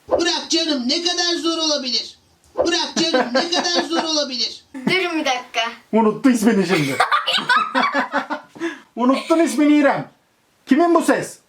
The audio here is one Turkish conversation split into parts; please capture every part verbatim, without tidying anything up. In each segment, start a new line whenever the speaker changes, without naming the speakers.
Bırak canım, ne kadar zor olabilir? Bırak canım, ne kadar zor olabilir?
Durun bir dakika.
Unuttu ismini şimdi. Unuttun ismini İrem. Kimin bu ses?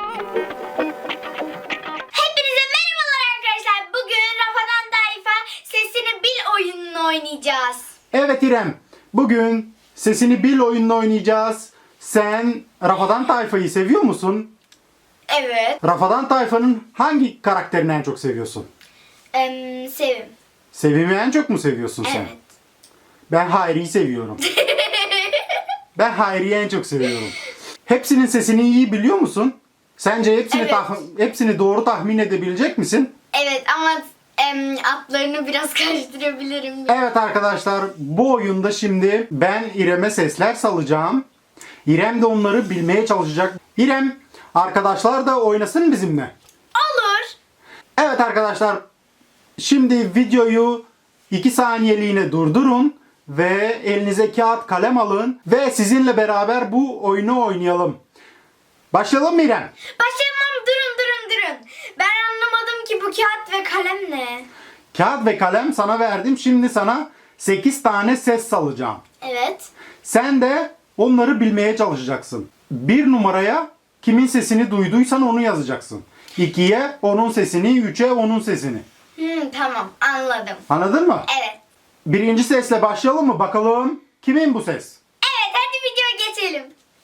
Hepinize merhabalar arkadaşlar. Bugün Rafadan Tayfa Sesini Bil oyununu oynayacağız.
Evet İrem. Bugün Sesini Bil oyununu oynayacağız. Sen Rafadan Tayfa'yı seviyor musun?
Evet.
Rafadan Tayfa'nın hangi karakterini en çok seviyorsun?
Em, Sevim.
Sevim'i en çok mu seviyorsun sen?
Evet.
Ben Hayri'yi seviyorum. Ben Hayri'yi en çok seviyorum. Hepsinin sesini iyi biliyor musun? Sence hepsini
Evet.
tah- hepsini doğru tahmin edebilecek misin?
Evet ama em, atlarını biraz karıştırabilirim.
Evet arkadaşlar, bu oyunda şimdi ben İrem'e sesler salacağım. İrem de onları bilmeye çalışacak. İrem, arkadaşlar da oynasın bizimle.
Olur.
Evet arkadaşlar, şimdi videoyu iki saniyeliğine durdurun ve elinize kağıt kalem alın ve sizinle beraber bu oyunu oynayalım. Başlayalım mı İrem?
Başlayalım. Durun durun durun. Ben anlamadım ki bu kağıt ve kalem ne?
Kağıt ve kalem sana verdim. Şimdi sana sekiz tane ses salacağım.
Evet.
Sen de onları bilmeye çalışacaksın. Bir numaraya kimin sesini duyduysan onu yazacaksın. İkiye onun sesini, üçe onun sesini.
Hmm, tamam anladım.
Anladın mı?
Evet.
Birinci sesle başlayalım mı? Bakalım kimin bu ses?
Evet hadi videoya geçelim.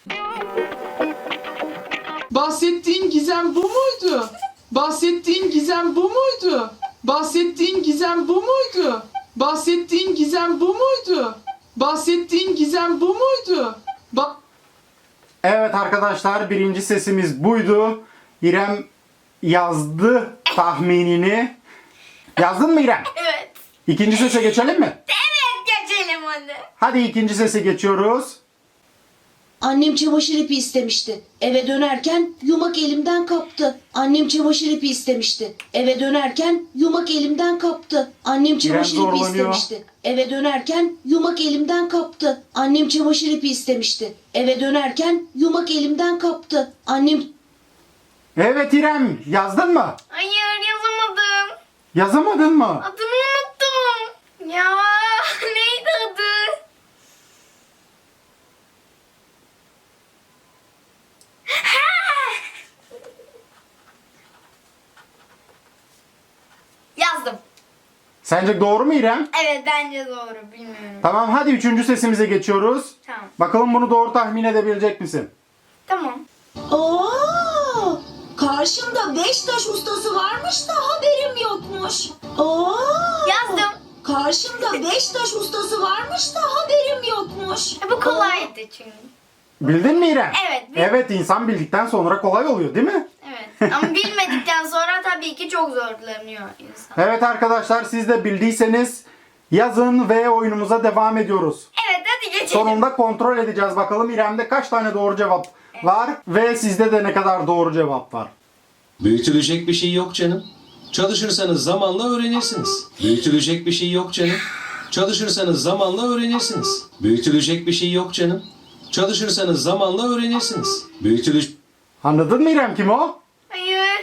Bahsettiğin gizem bu muydu? Bahsettiğin gizem bu muydu? Bahsettiğin gizem bu muydu? Bahsettiğin gizem bu muydu? Bahsettiğin gizem bu muydu? Ba
Evet arkadaşlar, birinci sesimiz buydu. İrem yazdı tahminini. Yazdın mı İrem?
Evet.
İkinci sese geçelim mi?
Evet geçelim hadi.
Hadi ikinci sese geçiyoruz.
Annem çamaşır ipi istemişti. Eve dönerken yumak elimden kaptı. Annem çamaşır ipi istemişti. Eve dönerken yumak elimden kaptı. Annem çamaşır ipi
zorlanıyor.
istemişti. Eve dönerken yumak elimden kaptı. Annem çamaşır ipi istemişti. Eve dönerken yumak elimden kaptı. Annem
Evet İrem, yazdın mı?
Hayır yazamadım.
Yazamadın mı?
Adını unuttum. Ya neydi adı? Ha! Yazdım.
Sence doğru mu İrem?
Evet bence doğru bilmiyorum.
Tamam, hadi üçüncü sesimize geçiyoruz.
Tamam.
Bakalım bunu doğru tahmin edebilecek misin?
Tamam.
Oo! Karşımda beş taş ustası varmış da haberim yokmuş. Oo!
Yazdım.
Karşımda beş taş ustası varmış da haberim yokmuş.
E, bu kolaydı çünkü.
Bildin mi İrem?
Evet, bildim.
Evet, insan bildikten sonra kolay oluyor değil mi?
Evet. Ama bilmedikten sonra tabii ki çok zorlanıyor insan.
Evet arkadaşlar, siz de bildiyseniz yazın ve oyunumuza devam ediyoruz.
Evet hadi geçelim.
Sonunda kontrol edeceğiz bakalım İrem'de kaç tane doğru cevap var ve sizde de ne kadar doğru cevap var.
Büyütülecek bir şey yok canım. Çalışırsanız zamanla öğrenirsiniz. Büyütülecek bir şey yok canım. Çalışırsanız zamanla öğrenirsiniz. Büyütülecek bir şey yok canım. Çalışırsanız zamanla öğrenirsiniz. Büyütülecek
Anladın mı İrem, kim o?
Hayır.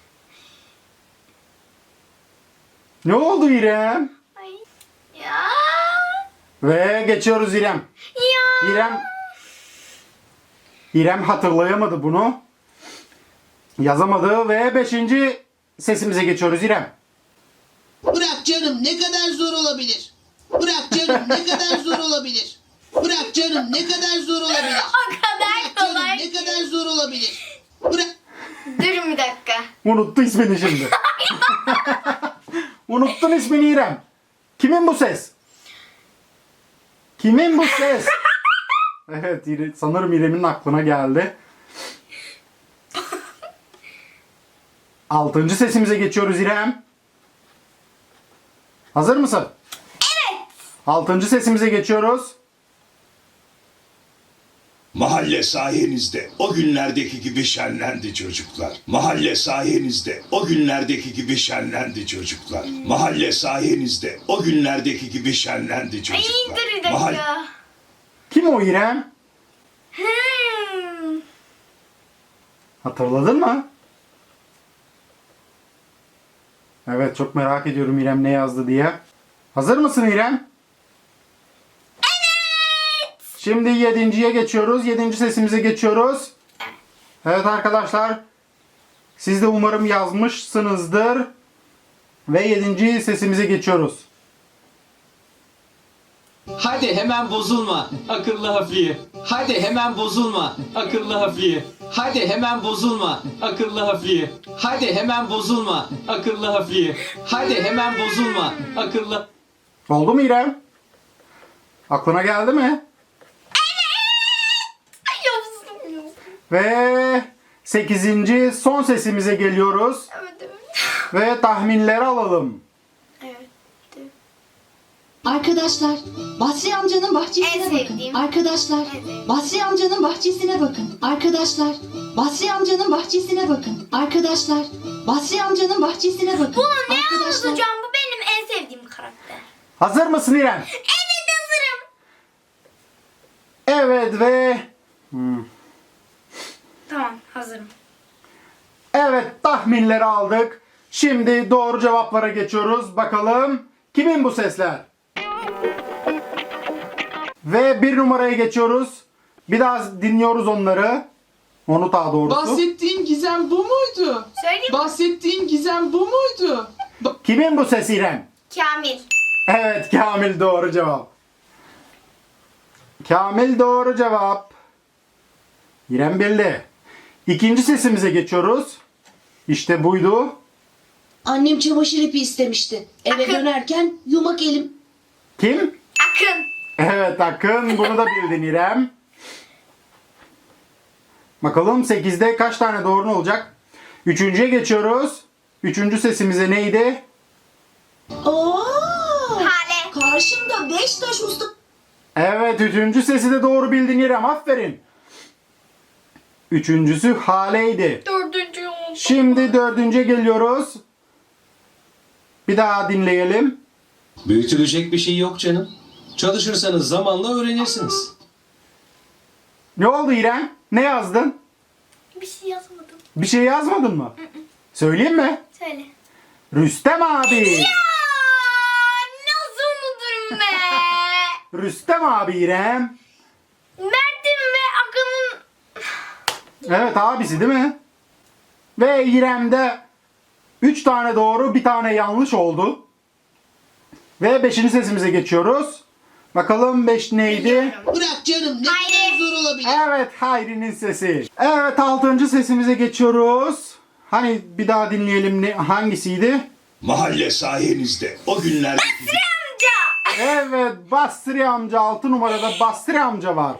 Ne oldu İrem?
Ay. Ya.
Ve geçiyoruz İrem.
Ya.
İrem İrem hatırlayamadı bunu. Yazamadı ve beşinci sesimize geçiyoruz İrem.
bırak canım, ne kadar zor olabilir? Bırak canım, ne kadar zor olabilir? Bırak canım, ne kadar zor olabilir?
O kadar
Bırak canım,
kolay.
ne kadar zor olabilir? Bırak
Durun bir dakika.
Unuttu ismini şimdi. Unuttun ismini İrem. Kimin bu ses? Kimin bu ses? Evet, İre- sanırım İrem'in aklına geldi. Altıncı sesimize geçiyoruz İrem. Hazır mısın?
Evet.
Altıncı sesimize geçiyoruz.
Mahalle sayenizde o günlerdeki gibi şenlendi çocuklar. Mahalle sayenizde o günlerdeki gibi şenlendi çocuklar. Mahalle sayenizde o günlerdeki gibi şenlendi
Ay
çocuklar.
dur bir
Mahalle-
dakika.
Kim o İrem?
Hmm.
Hatırladın mı? Evet, çok merak ediyorum İrem ne yazdı diye. Hazır mısın İrem?
Evet.
Şimdi yedinciye geçiyoruz. Yedinci sesimize geçiyoruz. Evet arkadaşlar. Siz de umarım yazmışsınızdır. Ve yedinci sesimize geçiyoruz.
Hadi hemen bozulma akıllı hafiye. Hadi hemen bozulma akıllı hafiye. Hadi hemen bozulma akıllı hafiye. Hadi hemen bozulma akıllı hafiye. Hadi hemen bozulma akıllı.
Oldu mu İrem? Aklına geldi mi?
Ay yazdım ya.
Ve sekizinci son sesimize geliyoruz.
Evet evet.
Ve tahminleri alalım.
Evet.
Arkadaşlar, Basri amcanın bahçesine
En
bakın.
sevdiğim.
Arkadaşlar,
En sevdiğim.
Basri amcanın bahçesine bakın. Arkadaşlar, Basri amcanın bahçesine bakın. Arkadaşlar, Basri amcanın bahçesine bakın.
Bunu ne
Arkadaşlar,
anlatacağım? Bu benim en sevdiğim karakter.
Hazır mısın İrem?
Evet hazırım.
Evet ve... Hmm.
Tamam hazırım.
Evet, tahminleri aldık. Şimdi doğru cevaplara geçiyoruz. Bakalım kimin bu sesler? Ve bir numaraya geçiyoruz. Bir daha dinliyoruz onları. Onu daha doğrusu.
Bahsettiğin gizem bu muydu?
Söyleyeyim mi?
Bahsettiğin gizem bu muydu? Ba-
Kimin bu ses İrem?
Kamil.
Evet, Kamil doğru cevap. Kamil doğru cevap. İrem bildi. İkinci sesimize geçiyoruz. İşte buydu.
Annem çamaşır ipi istemişti. Eve
Akın.
dönerken yumak elim.
Kim?
Akın.
Evet Akın, bunu da bildin İrem. Bakalım sekizde kaç tane doğru olacak? Üçüncüye geçiyoruz. Üçüncü sesimize neydi?
Oo!
Hale.
Karşımda beş taş usta.
Evet, üçüncü sesi de doğru bildin İrem, aferin. Üçüncüsü Hale'ydi.
Dördüncü oldu.
Şimdi dördüncüye geliyoruz. Bir daha dinleyelim.
Büyütülecek bir şey yok canım. Çalışırsanız zamanla öğrenirsiniz.
Ne oldu İrem? Ne yazdın?
Bir şey yazmadım.
Bir şey yazmadın mı? Söyleyeyim mi?
Söyle.
Rüstem abi.
Aa, nasıl unuturum be?
Rüstem abi İrem.
Mert'in ve Akın'ın...
Evet, abisi değil mi? Ve İrem'de üç tane doğru, bir tane yanlış oldu. Ve beşinci sesimize geçiyoruz. Bakalım beş neydi?
Bırak canım, ne
Hayri.
kadar zor olabilir.
Evet, Hayri'nin sesi. Evet, altıncı sesimize geçiyoruz. Hani bir daha dinleyelim, ne, hangisiydi?
Mahalle sayenizde o günlerdeki
Amca.
Evet, Basri amca. Altı numarada Basri amca var.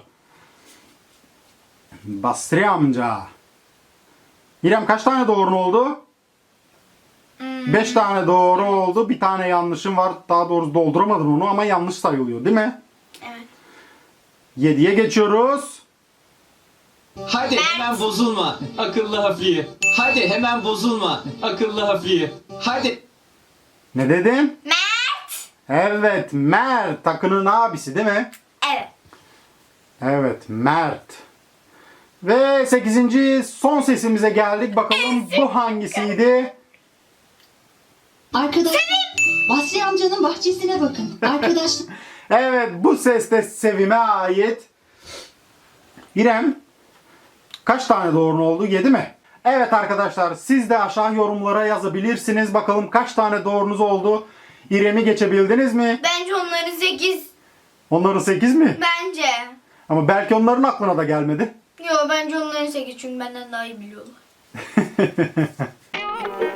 Basri amca. İrem kaç tane doğru oldu? Beş tane doğru oldu. Bir tane yanlışım var. Daha doğrusu dolduramadın onu ama yanlış sayılıyor değil mi?
Evet.
Yediye geçiyoruz.
Hadi hemen bozulma akıllı hafiye. Hadi hemen bozulma akıllı hafiye. Hadi.
Ne dedin?
Mert.
Evet, Mert. Takının abisi değil mi?
Evet.
Evet, Mert. Ve sekizinci son sesimize geldik. Bakalım bu hangisiydi?
Arkadaşlar, Basri amcanın bahçesine bakın. Arkadaşlar,
Evet, bu ses de Sevim'e ait. İrem, kaç tane doğru oldu? yedi mi? Evet arkadaşlar, siz de aşağı yorumlara yazabilirsiniz. Bakalım kaç tane doğrunuz oldu? İrem'i geçebildiniz mi?
Bence onların sekiz.
Onların sekiz mi?
Bence.
Ama belki onların aklına da gelmedi.
Yo bence onların sekiz çünkü benden daha iyi biliyorlar.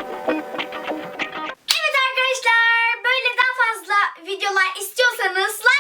Evet arkadaşlar böyle daha fazla videolar istiyorsanız